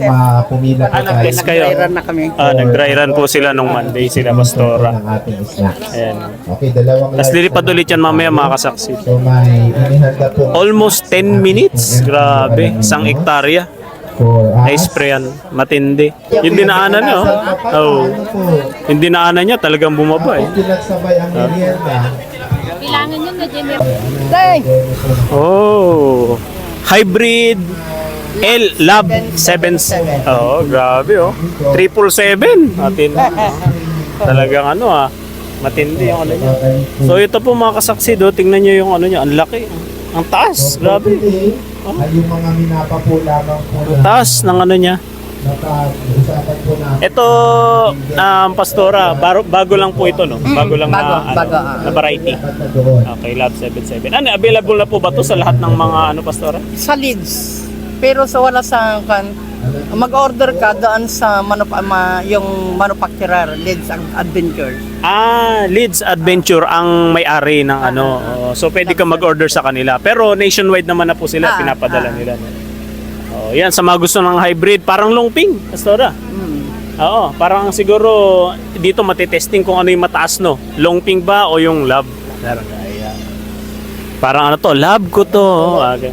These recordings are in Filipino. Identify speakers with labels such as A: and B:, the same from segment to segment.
A: pumila po tayo.
B: Nag-test kayo?
C: Nag-dry run na kami.
B: Nag-dry run po sila nung Monday sila, Pastora.
A: ng ating snacks.
B: Ayan.
A: Okay, dalawang
B: Tapos lilipad ulit yan mamaya mga kasaksi.
A: So may inihanda po
B: Almost 10 minutes. Grabe. Isang hektarya.
A: for
B: Na-sprayan. Matindi. Yung dinaanan niya, oh. Yung dinaanan niya talagang bumaba eh.
A: Pinagsabay ang merienda.
D: Bilangan yun na Jimmy.
B: Oh. Hybrid L Lab 7. Oh, grabe oh. 777. Matindi. Talagang ano matindi yung ano niya. So ito po mga kasaksi do, tingnan niyo yung ano niya, ang laki. Ang taas, grabe.
A: Ay yung mga minapa po lamang po na
B: Taas ng ano niya.
A: napag-usapan po na
B: Ito, Pastora, bago lang po ito, no? Bago lang
C: bago.
B: na variety.
A: na doon.
B: Okay, Lab 77. Ano, available na po ba to sa lahat ng mga Pastora?
C: Sa Leeds. Pero sa wala sa kan mag-order ka doon sa yung manufacturer Leeds Adventure.
B: Leeds Adventure ang may-ari ng ano. So, pwede ka mag-order sa kanila. Pero nationwide naman na po sila, pinapadala nila. No? Yan, sa mga gusto ng hybrid, parang longping, Pastora. Oo, parang siguro dito matitesting kung ano yung mataas, no? Longping ba o yung lab? Parang ano to, lab ko to. Okay.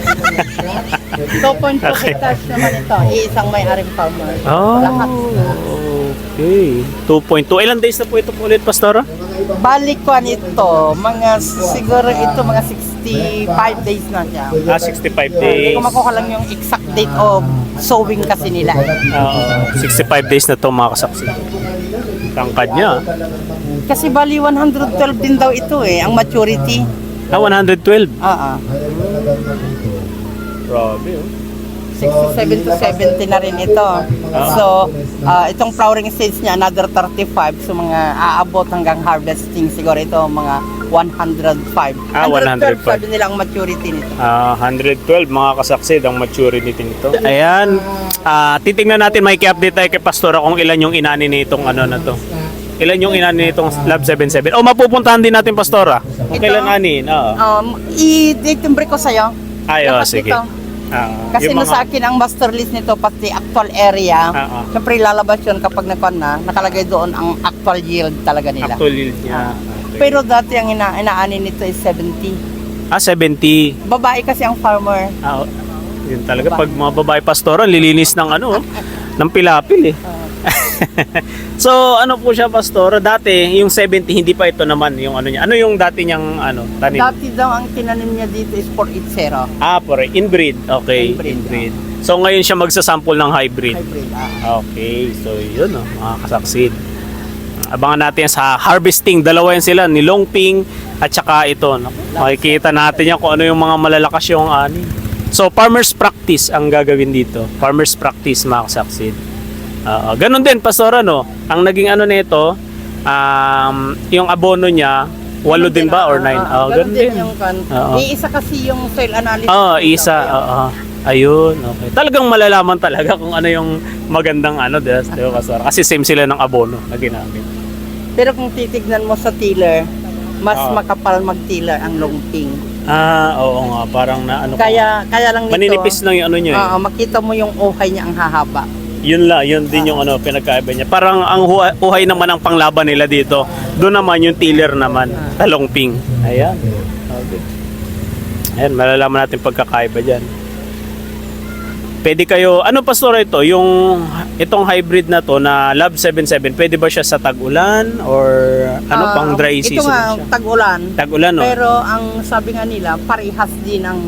C: 2.2 hectares naman ito. Isang may-aring farmer. Lahat.
B: Okay. 2.2. Ilang days na po ito ulit, Pastora?
C: Balik ko ito, siguro ito mga 65 days na siya.
B: 65
C: Hindi
B: days.
C: ko makuha lang yung exact date of sowing kasi nila.
B: 65 days na to mga kasaksi. Tangkad niya.
C: Kasi bali 112 din daw ito ang maturity.
B: 112. Grabe,
C: 67 to 70 na rin ito. So, itong flowering stage niya, another 35. So, mga aabot hanggang harvesting siguro ito, mga 105.
B: 105.
C: Sabi nila ang maturity nito.
B: 112 mga kasaksi ang maturity nito. Ayan. Titingnan natin, may update tayo kay Pastora kung ilan yung inani nitong ano na to. Ilan yung inani nitong Lab 77. Mapupuntahan din natin, Pastora. Kung kailan anin.
C: I-timbre ko sa'yo.
B: Ayo,
C: Dapat
B: sige.
C: ito. Kasi
B: Yung
C: sa akin ang master list nito pati actual area. Siyempre lalabas yun kapag nakalagay doon ang actual yield talaga nila.
B: actual yield niya.
C: Pero dati ang inaanin nito is 70.
B: 70.
C: Babae kasi ang farmer.
B: Yun talaga. Pag mga babae Pastora, lilinis ng ano, ng pilapil eh. So, ano po siya, Pastora? Dati, yung 70, hindi pa ito naman yung ano niya. Ano yung dati niyang tanim?
C: Dati daw ang tinanim niya dito is 480.
B: Inbreed. Okay,
C: Inbreed.
B: So, ngayon siya magsasample ng hybrid.
C: Hybrid.
B: Okay, so yun mga kasaksid. Abangan natin sa harvesting. Dalawa yan sila, ni Longping at saka ito. Makikita natin yan kung ano yung mga malalakas yung ani. So, farmer's practice ang gagawin dito. Farmer's practice, mga kasaksid. Ganon din, Pastora, no? Ang naging ano nito, yung abono niya, 8 din ba or 9?
C: Ganon din yung iisa kasi yung soil analysis.
B: Isa. Ayun, okay. Talagang malalaman talaga kung ano yung magandang di ba, Pastora? Kasi same sila ng abono na ginamit.
C: Pero kung titignan mo sa tiller, mas makapal mag-tiller ang longping.
B: Oo nga, parang na
C: Kaya lang nito.
B: Maninipis lang yung ano niya.
C: Makita mo yung uhay niya ang hahaba.
B: Yun din yung pinagkaiba niya. Parang ang uhay naman ang panglaban nila dito. Doon naman yung tiller naman, talongping. Ayan. Okay. Ayan, malalaman natin pagkakaiba diyan. Pwede kayo, Pastora ito? Itong hybrid na to na Lab 77, pwede ba siya sa tag-ulan or pang dry season?
C: Ito nga,
B: siya?
C: tag-ulan.
B: Tag-ulan, no?
C: Pero ang sabi nga nila, parehas din ang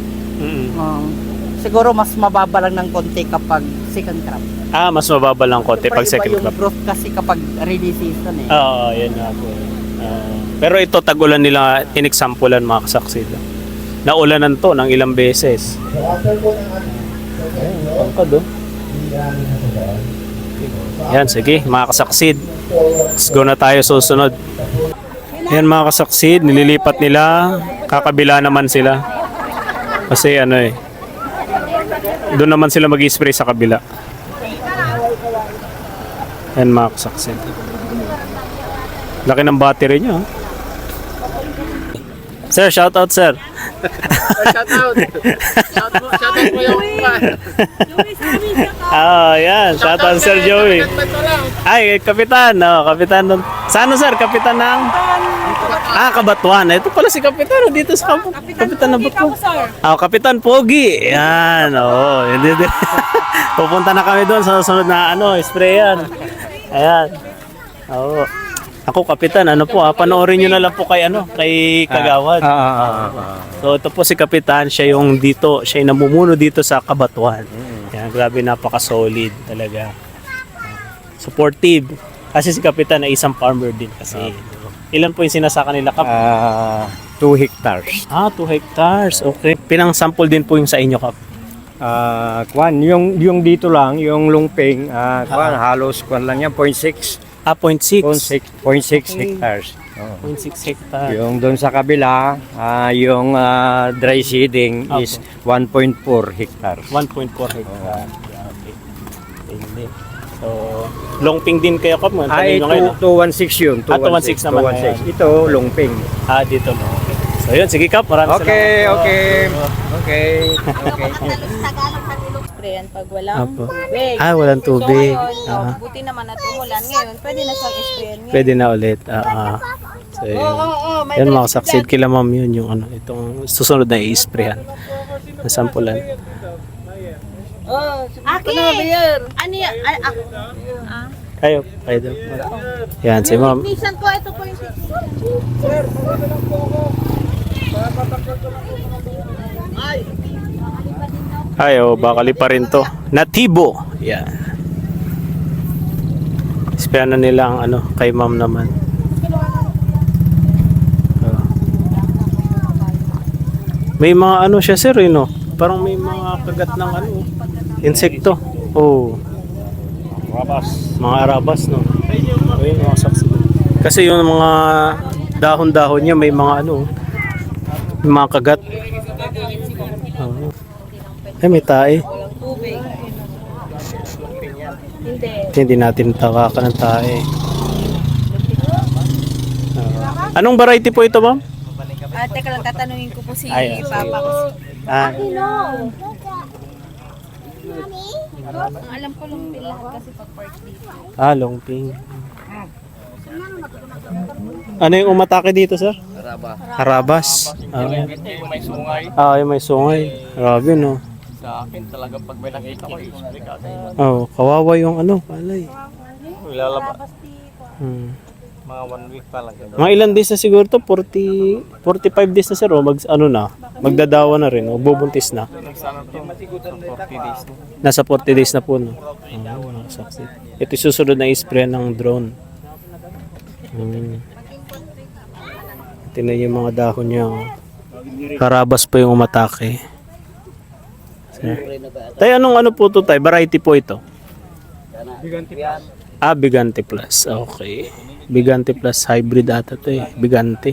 C: siguro mas mababa lang ng konti kapag second crop.
B: Mas mababa lang konti pag second crop.
C: Yung growth kasi kapag rainy season
B: Yan nga po. Pero ito tag-ulan nila inexampulan mga kasaksi. Naulanan to ng ilang beses. Pangkad Yan, sige mga kasaksid. Let's go na tayo susunod. Yan mga kasaksid, nililipat nila. Kakabila naman sila. Kasi doon naman sila mag-spray sa kabila. Yan mga kasaksid. Laki ng battery niya. Sir, shout out sir.
C: Shout out. Shout out mo yung
B: Yan. Shout out Sir Joey. Ay, kapitan. Kapitan nun. Saan sir? Kapitan ng... Kabatuan. Ito pala si kapitan. Dito sa kapitan ng Batuan. Kapitan Pogi. Yan. Hindi. Pupunta na kami doon sa susunod na sprayan. Ayan. Ako kapitan, panoorin niyo na lang po kay Kagawad. So ito po si kapitan, siya yung namumuno dito sa Kabatuan. Yan, grabe, napaka-solid talaga. Supportive. Kasi si kapitan ay isang farmer din kasi. Ilan po yung sinasaka nila, Kap?
E: 2 hectares.
B: 2 hectares. Okay. Pinang sample din po yung sa inyo, Kap?
E: Yung dito lang, yung lungping, halos lang yan, 0.6.
B: 0.6.
E: 0.6 hectares.
B: 0.6 hectare.
E: Yung doon sa kabila, yung dry seeding is 1.4 hectares.
B: 1.4 hectare. Okay. Hindi. So, longping din kayo, Kap?
E: 216 yun.
B: 216 naman.
E: 216. Ito, lungping.
B: Dito. Okay. So, yun. Sige, Kap. Maraming
E: Okay.
D: Sprayan pag walang
B: Apo.
D: tubig.
B: Walang tubig.
D: So ngayon, buti naman at umulan ngayon, pwede na siyang sprayan ngayon.
B: Pwede na ulit. So, yun. Yan, makasaksid kila ma'am yun. Yung itong susunod na i-sprayan. Nasampulan.
D: Aki! Ano yan?
B: Kayo daw. Yan, si ma'am.
D: Nisan ko, ito po yung
B: Bakali pa rin to. Natibo. Yan. Sprayan na nila ang kay ma'am naman. May mga siya sir, parang may mga kagat ng insekto. Mga arabas, no? Ayun, mga saksi. Kasi yung mga dahon-dahon niya may mga may mga kagat. May tae. Hindi natin takakan ng tae. Anong variety po ito, ma'am?
D: teka lang, tatanungin ko po si
B: Ay,
D: Papa ko. Ang alam ko lang din lahat kasi pag park dito.
B: Longping. Ano yung umatake dito, sir? Harabas.
E: May sungay.
B: Yung may sungay. Grabe, no?
E: Sa akin talaga pag may nakita ko, i-spray ka agad.
B: Kawawa yung palay.
E: Ilalabas.
B: Mga
E: 1 week pa lang.
B: Mga ilan days na siguro to? 45 days na, sir. Magdadawa na rin. Bubuntis na.
E: 40 days na.
B: Nasa 40 days na po, no? Saksi. Ito yung susunod na i-spray ng drone. Tingnan yung mga dahon niya. Karabas pa yung umatake. Tay, anong po to, tay? Variety po ito?
E: Bigante plus.
B: Bigante plus. Okay. Bigante plus hybrid ata to eh. Bigante.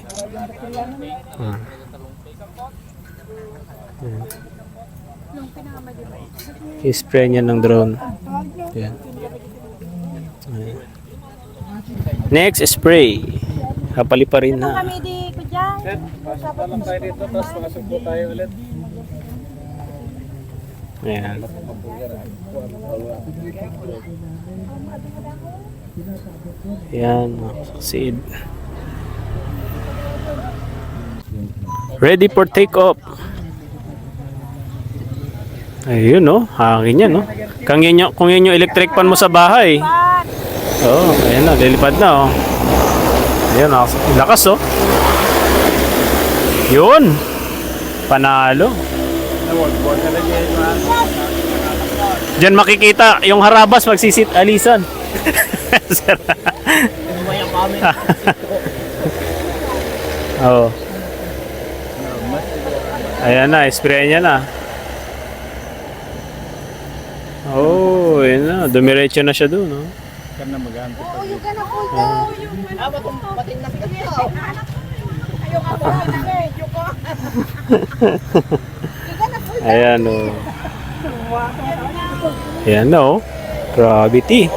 B: I-spray niya ng drone. Yan. Next, spray. Kapali pa rin na.
D: Kami di ko dyan.
E: Lang tayo dito, tapos makasok po tayo ulit.
B: Ayan. Ayan, succeed. Ready for take-off. Ayun, no? Hangin yan, no? Kung yun yung electric fan mo sa bahay. Ayan na, lilipad na, Ayan, lakas, Yun. Panalo. Diyan makikita yung harabas magsisit alisan. Ayan na, spray niya na. Ayan na, dumiretso na siya doon,
E: Kan na mag-aantay.
B: Ayan, Ayan na, Gravity.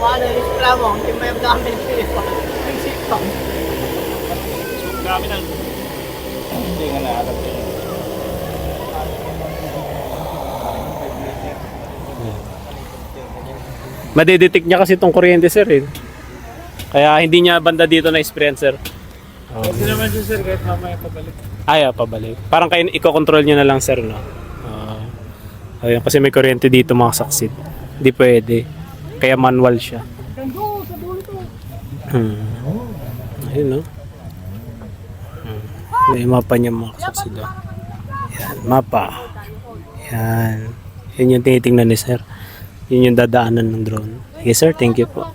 B: Madidetect niya kasi itong kuryente sir eh. Kaya hindi niya banda dito na sprayan sir.
F: Hindi naman siya sir, kahit mamaya pabalik.
B: Pabalik. Parang kayo i-control niyo na lang sir no. Ayun, kasi may kuryente dito mga saksid. Hindi pwede. Kaya manual siya. Ayun no. May mapa niya mga saksid. Yan, mapa. Yan. Yun yung tinitingnan ni sir. Yun yung dadaanan ng drone. Yes sir, thank you po.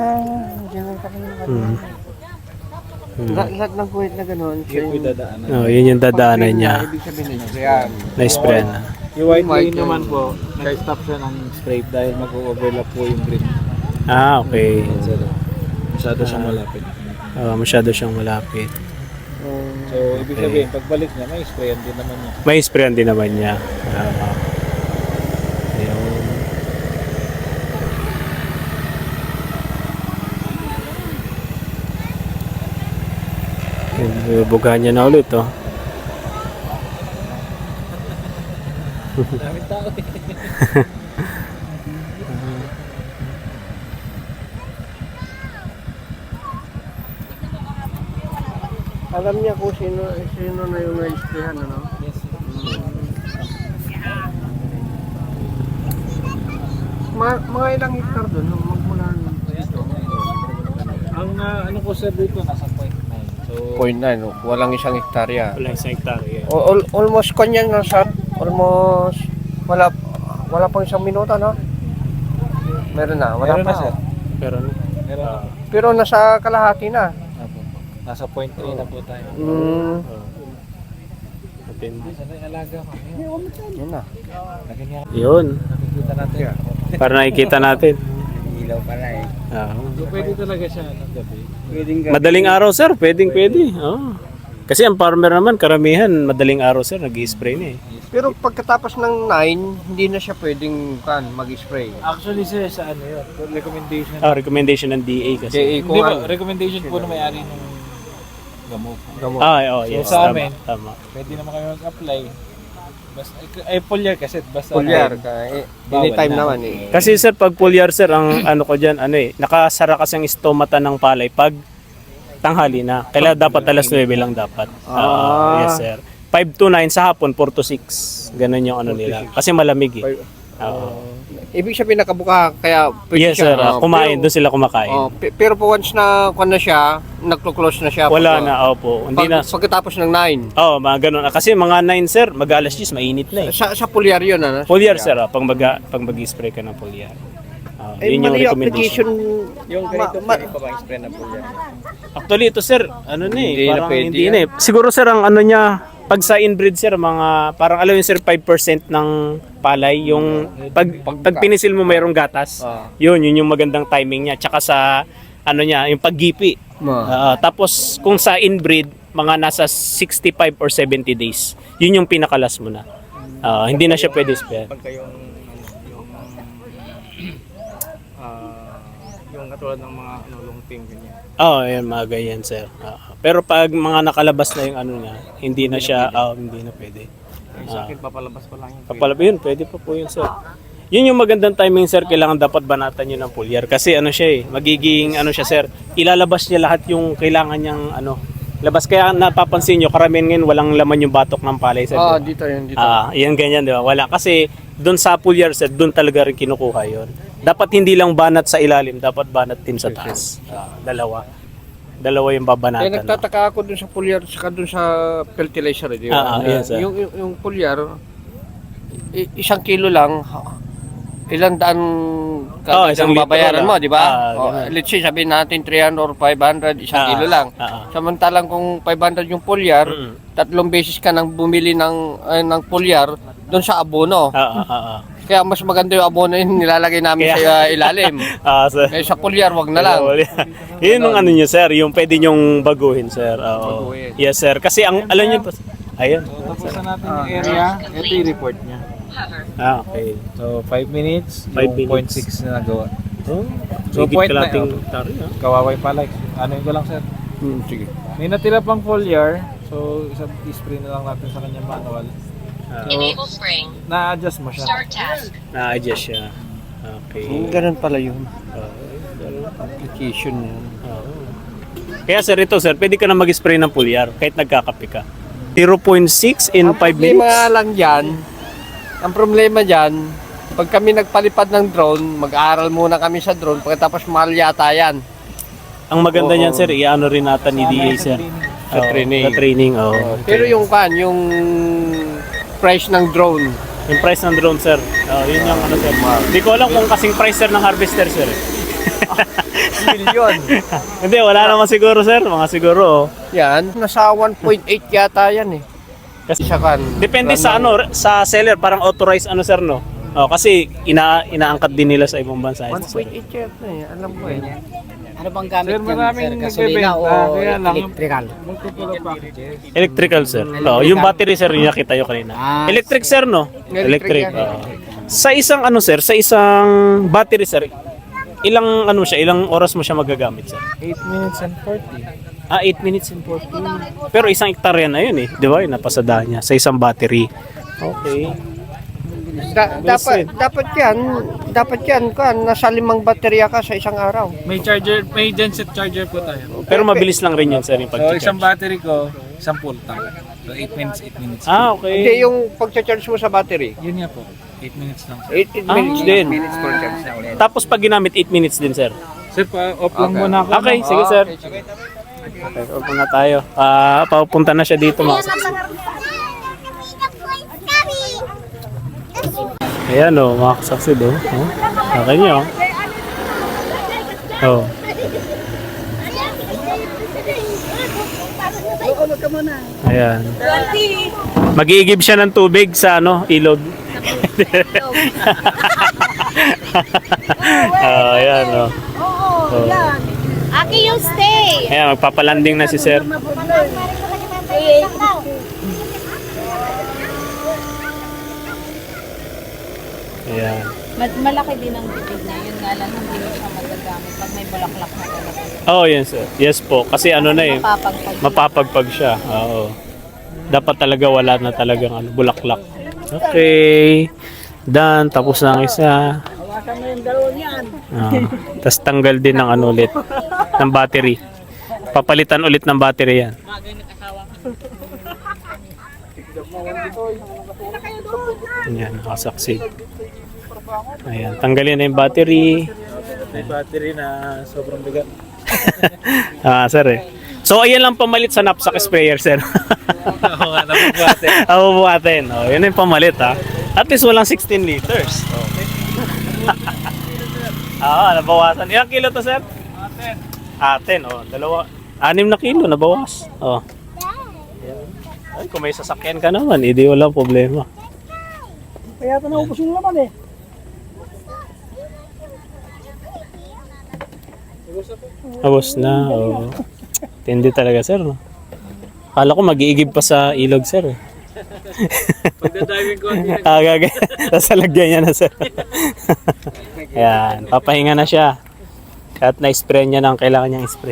E: Lahat ng kuwit na gano'n.
B: Yun yung dadaanan niya.
E: Ibig sabihin nito yan.
B: Na-spray na.
F: Yung white lane naman po, nag-stop siya ng spray dahil mag-overlap po yung green.
B: Okay.
F: Masyado siyang malapit.
B: Masyado siyang malapit.
F: So, ibig sabihin, pagbalik niya, may sprayan din naman niya.
B: May sprayan din naman niya. Ayun. Bugahan niya na ulit oh.
F: Daming tao eh.
E: Alam niya kung sino na yung na-sprayhan, ano?
F: Yes.
E: Mga ilang hektar doon, magmula dito.
F: Ang ano ko sir dito, nasa 0.9. So,
E: 0.9, walang isang hektarya.
B: Wala isang hektarya.
E: Almost kanya na sa almost wala pang isang minuto, no? Meron na, wala
F: meron
E: pa
F: na sir.
B: Pero ano?
F: Meron na.
E: Pero nasa kalahati na.
F: Apo. Nasa 0.3 na po tayo.
B: Depende.
F: Sana yung alaga ko.
E: Yun na.
F: Lagyan niya.
B: Yun.
F: Nakikita natin.
B: Para nakikita natin.
E: Ilaw pala eh.
F: So, pwede talaga siya ng gabi.
B: Madaling araw sir, pwede. Kasi ang farmer naman, karamihan, madaling araw sir, nag-i-spray na eh.
E: Pero pagkatapos ng 9, hindi na siya pwedeng mag-spray.
F: Actually sir, sa ano yun? Recommendation.
B: Recommendation ng DA kasi.
E: JA
F: Hindi ba, recommendation po na may-ari ng gamot.
B: Yes,
F: sa
B: tama,
F: amin,
B: tama.
F: pwede naman kami mag-apply. Basta, foliar kasi, basta
E: Pulyar
F: ano,
E: ka.
F: bawal
E: Anytime
F: na.
E: naman eh.
B: Kasi sir, pag foliar sir, ang ano ko dyan, nakasara kasi ang stomata ng palay pag tanghali na. Kailangan dapat alas 9 lang dapat. Yes sir. 5 to 9 sa hapon, 4 to 6. Ganun yung ano nila. Kasi malamig eh.
E: Ibig sabihin nakabuka, kaya pwede
B: Yes sir, kumain, doon sila kumakain.
E: Pero po once na kung na siya, nagko-close na siya.
B: Wala na, opo. Hindi na.
E: Pagkatapos ng 9.
B: Mga ganun. Kasi mga 9 sir, mag-alas 10, mainit na eh.
E: Sa pulyar yun, ano?
B: Foliar sir, pag mag-spray ka ng foliar. Yun yung recommendation.
E: Yung ganito, pwede pa bang spray na pulyar?
B: Actually ito sir, ano na eh,
E: Hindi na
B: parang
E: pwede
B: hindi
E: yan.
B: na eh. Siguro sir ang ano niya, pag sa inbreed sir, mga parang alam yun sir, 5% ng palay, yung pag pinisil mo mayroong gatas. Yun yung magandang timing niya. Tsaka sa ano niya, yung paggipi. Tapos kung sa inbreed, mga nasa 65 or 70 days. Yun yung pinakalas mo na. Hindi na siya pwede spray.
F: yung katulad ng mga lungping ganyan.
B: Ayan, mga ganyan sir. Pero pag mga nakalabas na yung ano niya, hindi na siya, hindi na pwede.
F: Sa akin, papalabas pa lang yung
B: Yun, pwede pa po yun sir. Yun yung magandang timing sir, kailangan dapat banatan yun ng foliar. Kasi ano siya eh, magiging ano siya sir, ilalabas niya lahat yung kailangan niyang labas. Kaya napapansin nyo, karamihan ngayon walang laman yung batok ng palay sir.
E: Dito yun, dito.
B: Yan ganyan, di ba? Wala. Kasi doon sa foliar sir, doon talaga rin kinukuha yun. Dapat hindi lang banat sa ilalim, dapat banat din sa taas. Dalawa yung babanatan.
E: Nagtataka ako dun sa pulyar, saka dun sa fertilizer, di ba?
B: Yes, sir.
E: Yung pulyar, 1 kilo lang, ilang daan
B: isang litro
E: babayaran
B: lang.
E: mo, di ba?
B: Ganun.
E: Let's say, sabihin natin 300 or 500, 1 kilo lang. Samantalang kung 500 yung pulyar, 3 beses ka nang bumili ng pulyar doon sa abono. Kaya mas maganda yung abono yung nilalagay namin sa ilalim.
B: Sir.
E: Kaya sa pulyar, wag na lang.
B: Yun yung ano nyo sir, yung pwede nyong baguhin sir.
E: Baguhin.
B: Yes sir, kasi ang alam nyo, ayun.
F: Tapusan natin yung area, ito yung report niya.
B: Okay.
F: So, 5 minutes,
B: 5 minutes.
F: 0.6 na nagawa.
B: So,
F: point na Kawaway pala. Ano ko lang sir.
E: Sige.
F: May natira pang foliar, so i-spray na lang natin sa kanya manual. So,
G: Enable spring.
F: na-adjust mo siya.
G: Start task.
B: Na-adjust siya. Okay.
E: Ganun pala yun. Application yun.
B: Kaya sir, ito sir, pwede ka na mag-spray ng foliar kahit nagkakape ka. 0.6 in 5
E: problema
B: minutes.
E: lang dyan, ang problema dyan, pag kami nagpalipad ng drone, mag-aaral muna kami sa drone, pagkatapos mahal yata yan.
B: Ang maganda
E: Oo.
B: niyan sir, i-ano rin natin ni DA sir.
E: Sa training.
B: Sa training, oh.
E: Pero yung yung price ng drone,
B: Yung price ng drone sir, yun yung ano sir. Hindi ko alam kung kasing price sir ng harvester sir.
E: million.
B: Hindi, wala naman siguro sir, mga siguro.
E: Yan, nasa 1.8 yata yan eh.
B: Kasi
E: Isa kan.
B: depende sa ano, sa seller, parang authorized ano sir no. Kasi inaangkat din nila sa ibang bansa.
E: 1.8 yata eh, alam ko eh.
C: Ano bang gamit
F: Sir, maraming
C: Gasolina o
F: nagbebenta, kaya lang,
C: electrical?
F: multiple packages.
B: Electrical sir. Yung battery sir, yung nakita nyo kanina. Electric sir no?
E: Electric yan.
B: Sa isang ano sir, sa isang battery sir, ilang ano siya, ilang oras mo siya magagamit sir?
F: 8 minutes and 40.
B: 8 minutes and 40. Pero isang hektarya na yun eh. Di ba? Yung napasada niya sa isang battery. Okay.
E: Dapat yan nasa 5 baterya ka sa isang araw.
F: May charger, may genset charger po tayo.
B: Pero mabilis lang rin yun sir yung
F: So,
B: pag-charge.
F: isang battery ko, isang full tank. So, 8 minutes, 8 minutes.
B: Okay.
E: Hindi yung pag-charge mo sa battery.
F: Yun nga po, 8 minutes lang.
E: 8 minutes din.
B: Tapos pag ginamit 8 minutes din sir.
F: Sir, off lang muna ako.
B: Okay, sige sir. Okay, opo na tayo. Papunta na siya dito mga saksi. Ayan o, mga kasaksi do. Okay nyo. Oh. Ayan. Mag-iigib siya ng tubig sa ano, ilog. Ayan o. Oh.
D: Aki, you stay!
B: Ayan, magpapalanding na si sir. Ayan.
D: Malaki din ang bibig niya. Yun nga lang, hindi mo siya magagamit pag may bulaklak na talaga.
B: Oh, yes sir. Yes po. Kasi ano na eh,
D: Mapapagpag.
B: mapapagpag siya. Oo. Dapat talaga wala na talagang ano, bulaklak. Okay. Done. Tapos na ang isa. Tapos tanggal din ng ano ulit. Ng battery. Papalitan ulit ng battery yan. Ayan, nakasaksi. Ayan, tanggalin na yung battery.
F: May battery na sobrang bigat.
B: Sir eh. So, ayan lang pamalit sa knapsack sprayer, sir.
F: Oo nga, nabubuhatin.
B: Bubuhatin. Oh, yun yung pamalit, ha. At least walang 16 liters. Nabawasan. Ilang kilo to, sir? 10. Oh, 6 na kilo, nabawas. Oh. Ay, kung may sasakyan ka naman, hindi walang problema.
C: Kaya ito naubos yung laman eh.
B: Tapos na. Oh. Tindi talaga, sir. No? Kala ko mag-iigib pa sa ilog, sir. Eh.
F: Pagdadiving ko,
B: Sasalagyan niya na, sir. Ayan, papahinga na siya. At na-spray niya ng kailangan niyang spray.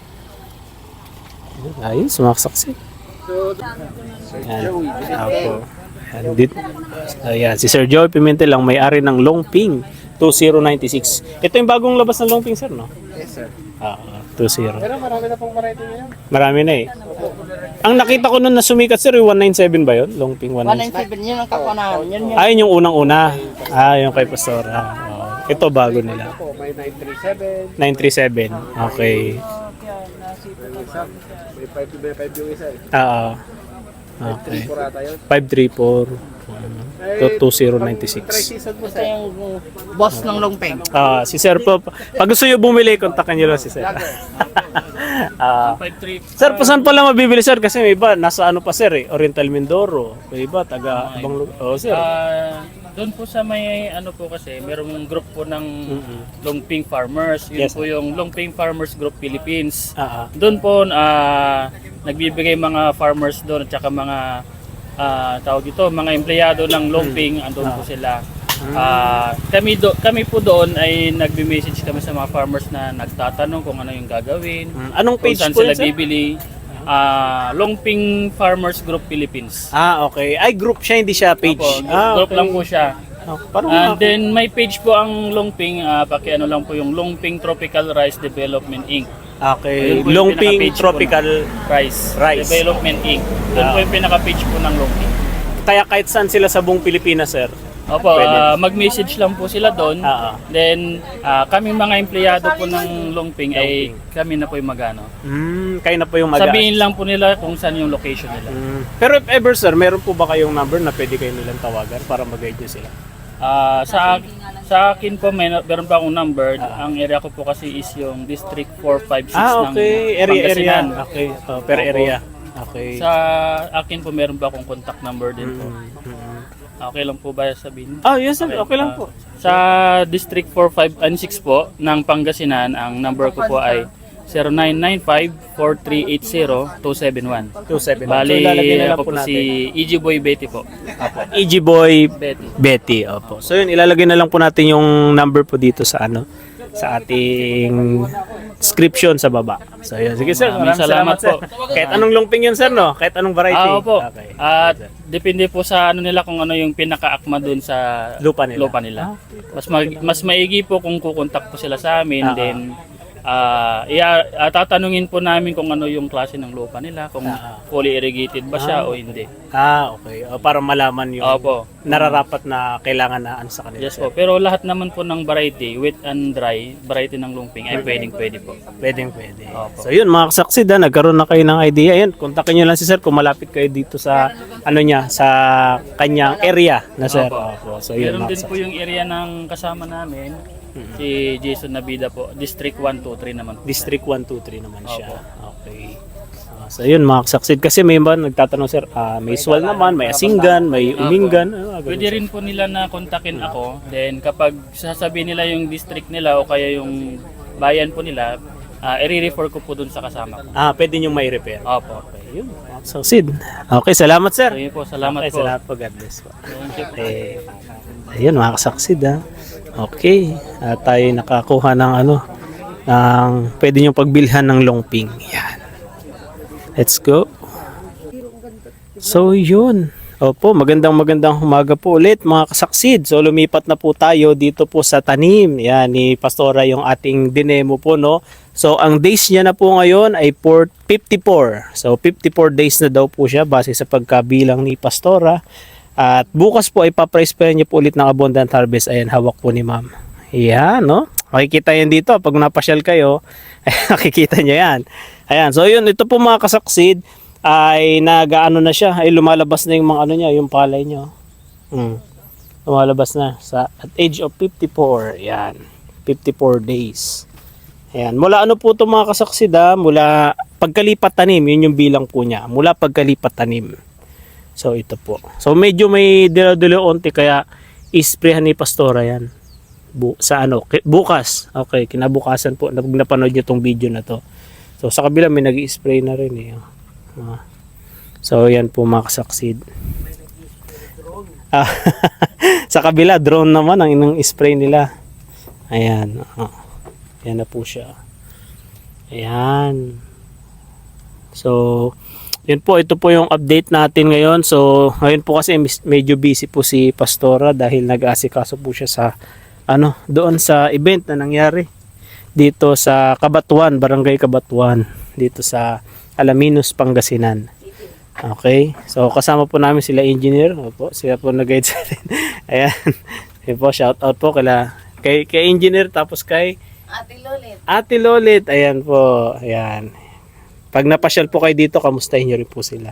B: Ayun, sumaksaksi. Ayan. Apo. Ayan, si Sir Joey Pimentel ang may-ari ng Longping 2096. Ito yung bagong labas ng Longping, sir, no?
E: Yes, sir.
B: 20.
E: Pero marami na pong variety ngayon.
B: Marami na eh. Ang nakita ko nun na sumikat, sir, yung 197 ba yun? Longping 197.
C: 197 yun ang kakunahan. Yan yun.
B: Yung unang-una. Yung kay Pastora. Ito bago nila.
E: May 937,
B: 937. Okay.
E: may 5 yung isa eh.
B: Okay.
E: Kurata yun.
B: 534. 2096.
E: Season mo,
C: Ito yung boss ng Longpeng.
B: Si Sir po, pag gusto nyo bumili, kontakin nyo lang si Sir. Sir, saan pala mabibili, sir? Kasi may iba, nasa ano pa, sir eh, Oriental Mindoro. May iba, taga ibang lugar. Sir.
G: Doon po sa may ano po kasi, merong group po ng Longping Farmers. Yun
B: Yes.
G: po yung Longping Farmers Group Philippines.
B: Ah, ah.
G: Doon po nagbibigay mga farmers doon at saka mga tawag ito, mga empleyado ng Longping, andun po sila. Kami po doon ay nagbe-message kami sa mga farmers na nagtatanong kung ano yung gagawin,
B: Anong
G: kung
B: page
G: saan
B: po
G: sila
B: yun, sir?
G: bibili. Longping Farmers Group Philippines.
B: Okay. Ay, group siya, hindi siya page.
G: Opo, group lang po siya.
B: Parang
G: And then may page po ang Longping, paki-ano lang po yung Longping Tropical Rice Development Inc.
B: okay,
G: Ayun po yung
B: Longping
G: pinaka-page po
B: Tropical.
G: Rice Development Inc. Doon po yung pinaka-page po ng Longping.
B: Kaya kahit saan sila sa buong Pilipinas, sir.
G: Opo,
B: Pwede.
G: mag-message lang po sila doon. Then, kaming mga empleyado po ng Longping ay kami na po yung magano.
B: Kayo na po yung
G: Sabihin lang po nila kung saan yung location nila.
B: Pero if ever, sir, meron po ba kayong number na pwede kayo nilang tawagan para mag-guide nyo sila?
G: Sa akin po, meron pa akong number. Ang area ko po kasi is yung District 456 ng
B: Area.
G: Pangasinan.
B: Okay, per
G: Opo.
B: area. Okay.
G: Sa akin po, meron pa akong contact number din po. Okay lang po ba sabihin?
B: Yes, sir. Okay lang po.
G: Sa District 45 po ng Pangasinan, ang number ko po ay 0995-4380-271.
B: 271.
G: Bali,
B: So, ilalagay na lang
G: ako
B: po
G: po
B: natin.
G: si EG Boy Betty po.
B: EG Boy
G: Betty.
B: Betty, opo. So yun, ilalagay na lang po natin yung number po dito sa sa ating description sa baba. So yun, sige sir,
G: Maraming salamat
B: sir. Kahit anong longping yun sir, no? Kahit anong variety.
G: Opo.
B: Okay.
G: At depende po sa ano nila kung ano yung pinaka-akma dun sa
B: Lupa nila.
G: Mas maigi po kung kukontak po sila sa amin, then tatanungin po namin kung ano yung klase ng lupa nila, kung fully irrigated ba siya o hindi.
B: Okay. Para malaman yung
G: Opo.
B: nararapat na kailangan na sa kanila.
G: Yes po. Pero lahat naman po ng variety, wet and dry, variety ng lumping ay pwede po.
B: Pwede.
G: Opo.
B: So yun mga kasaksid, nagkaroon na kayo ng idea. Yan, kontakin nyo lang si sir kung malapit kayo dito sa sa kanyang area na sir. Opo. So yun
G: Meron
B: mga
G: din po yung area ng kasama namin, si Jason Nabida po, District 123 naman po.
B: District 123 naman siya. Okay. So yun mga kasaksid. Kasi may iba nagtatanong sir, may swal naman, may asinggan, may uminggan.
G: Pwede rin po nila na kontakin ako. Then kapag sasabihin nila yung district nila o kaya yung bayan po nila, i-refer ko po dun sa kasama ko.
B: Pwede nyo may repair.
G: Opo.
B: Okay, yun. Mga kasaksid. Okay, salamat sir.
G: So yun po, salamat
B: Okay,
G: po.
B: salamat po. God bless po. Ayun mga kasaksid Okay. Tayo nakakuha ng ng pwede nyo pagbilhan ng longping. Yan. Let's go. So yun. Opo, magandang umaga po ulit mga kasaksid. So lumipat na po tayo dito po sa tanim. Yan, ni Pastora yung ating dinemo po, no. So ang days niya na po ngayon ay 54. So 54 days na daw po siya base sa pagkabilang ni Pastora. At bukas po ay pa-price niyo po ulit ng Abundant Harvest. Ayan, hawak po ni ma'am. Yan, no. Makikita yan dito pag napasyal kayo. Nakikita niyo yan. Ayan, so yun, ito po mga kasaksid ay nagaano na siya, ay lumalabas na yung mga niya, yung palay niya. Lumalabas na sa at age of 54. Yan. 54 days. Ayan, mula po to mga kasaksid mula pagkalipat tanim, yun yung bilang po niya. Mula pagkalipat tanim. So ito po. So medyo may dilo-dilo onti kaya isprehan ni Pastora yan. Sa bukas. Okay, kinabukasan po napanood niyo tong video na to. So sa kabila may nag-i-spray na rin So yan po mga kasaksid. Sa kabila drone naman ang inang spray nila. Ayan. Yan na po siya. Ayan. So yun po, ito po yung update natin ngayon. So ngayon po kasi medyo busy po si Pastora dahil nag-aasikaso po siya sa doon sa event na nangyari dito sa Cabatuan, Barangay Cabatuan, dito sa Alaminos, Pangasinan. Okay, so kasama po namin sila engineer. Opo, sila po nag-guide sa atin. Ayan. Ayan po, shout out po kay engineer tapos kay Ate Lolit. Ayan po, ayan. Pag napasyal po kayo dito, kamustahin nyo rin po sila.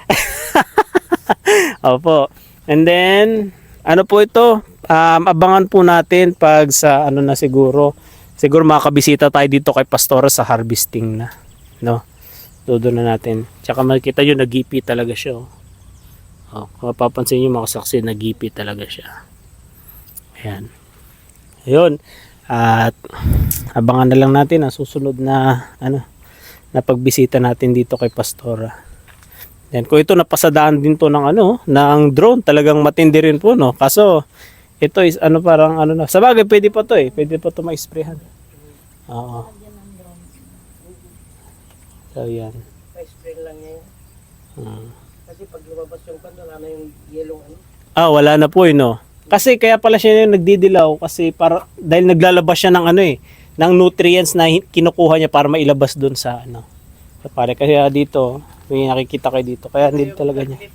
B: Opo. And then, po ito? Abangan po natin pag sa na siguro makakabisita tayo dito kay Pastora sa harvesting na. No? Doon na natin. Tsaka makikita nyo, nagipi talaga siya. Kung mapapansin nyo mga saksi, nagipi talaga siya. Ayan. Ayun. At abangan na lang natin ang susunod na na pagbisita natin dito kay Pastora. Yan, kung ito napasadaan din to ng ng drone, talagang matindi rin po, no. Kaso ito is parang na. Sa bagay pwede pa to Pwede pa to ma-sprayhan. Oo. So yan.
C: Pa-spray lang niya yun. Kasi pag lumabas yung kanda, wala na yung yellow
B: wala na po no. Kasi kaya pala siya yung nagdidilaw kasi para dahil naglalabas siya ng ano eh, ng nutrients na kinukuha niya para mailabas doon sa ano. Sa pare kaya dito, may nakikita kayo dito. Kaya hindi talaga niya.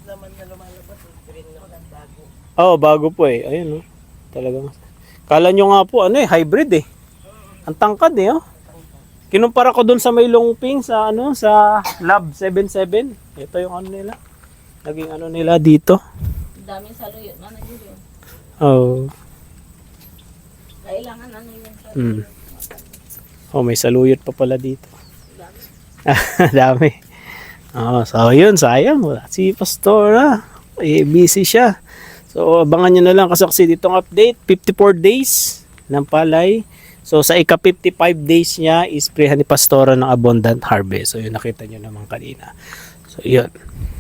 B: Oh, bago po eh. Ayun oh. Talagang. Kala nyo nga po ano eh, hybrid eh. Ang tangkad eh oh. Kinumpara ko doon sa may longping sa ano, sa Lab 77. Ito yung ano nila. Naging ano nila dito.
D: Daming saluyot na yun.
B: Oh.
D: Kailangan ano yun.
B: Hmm. Oh, may saluyot pa pala dito. Dami. Oh, so yun, sayang. Wala si Pastora. Eh, busy siya. So, abangan nyo na lang kasaksi ditong update. 54 days ng palay. So, sa ika-55 days niya, isprehan ni Pastora ng abundant harvest. So, yun, nakita nyo naman kanina. So, yun.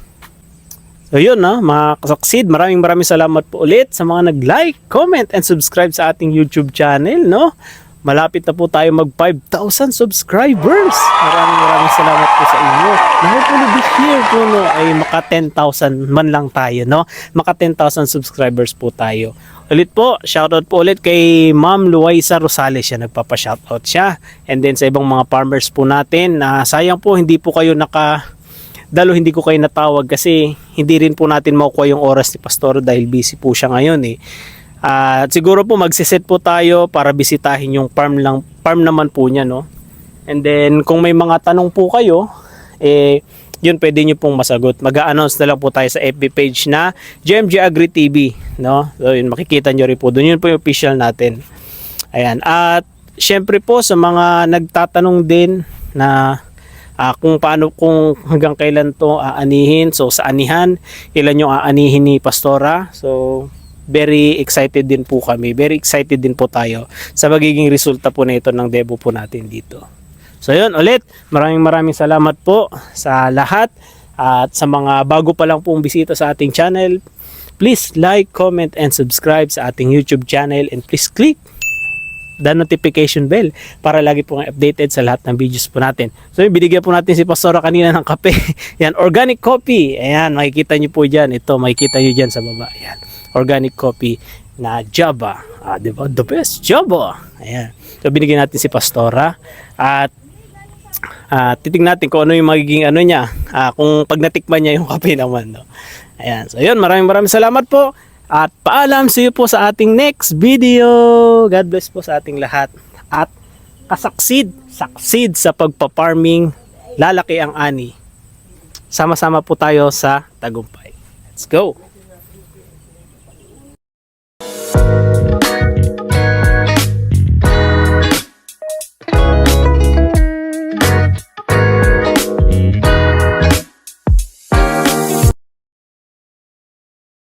B: So, yun, mga kasaksid. Maraming salamat po ulit sa mga nag-like, comment, and subscribe sa ating YouTube channel, no? Malapit na po tayo mag 5,000 subscribers. Maraming salamat po sa inyo. Na hopefully this year po no, ay maka 10,000 man lang tayo, no? Maka 10,000 subscribers po tayo. Ulit po, shoutout po ulit kay Ma'am Luisa Rosales, siya nagpapa-shoutout siya. And then sa ibang mga farmers po natin, sayang po hindi po kayo hindi ko kayo natawag kasi hindi rin po natin makukuha yung oras ni Pastor dahil busy po siya ngayon eh. At siguro po magsiset po tayo para bisitahin yung farm naman po niya, no? And then kung may mga tanong po kayo, yun pwede nyo pong masagot. Mag-a-announce na lang po tayo sa FB page na GMG Agri TV, no? So yun, makikita nyo rin po doon. Yun po yung official natin. Ayan. At syempre po sa mga nagtatanong din na kung hanggang kailan to aanihin. So sa anihan, ilan yung aanihin ni Pastora. So very excited din po kami. Very excited din po tayo sa magiging resulta po nito ng debo po natin dito. So yun, ulit, maraming salamat po sa lahat at sa mga bago pa lang pong bisita sa ating channel. Please like, comment, and subscribe sa ating YouTube channel and please click the notification bell para lagi pong updated sa lahat ng videos po natin. So yun, binigyan po natin si Pastora kanina ng kape. Yan, organic coffee. Ayan, makikita nyo po dyan. Ito, makikita nyo dyan sa baba. Ayan, organic coffee na Java. Diba? The best Java. Ayan. So binigyan natin si Pastora at titignan natin kung ano yung magiging ano niya, kung pag natikman niya yung kape naman, no? Ayan. So yun, maraming salamat po. At paalam, see you po sa ating next video. God bless po sa ating lahat. At succeed sa pagpa-farming, lalaki ang ani. Sama-sama po tayo sa tagumpay. Let's go!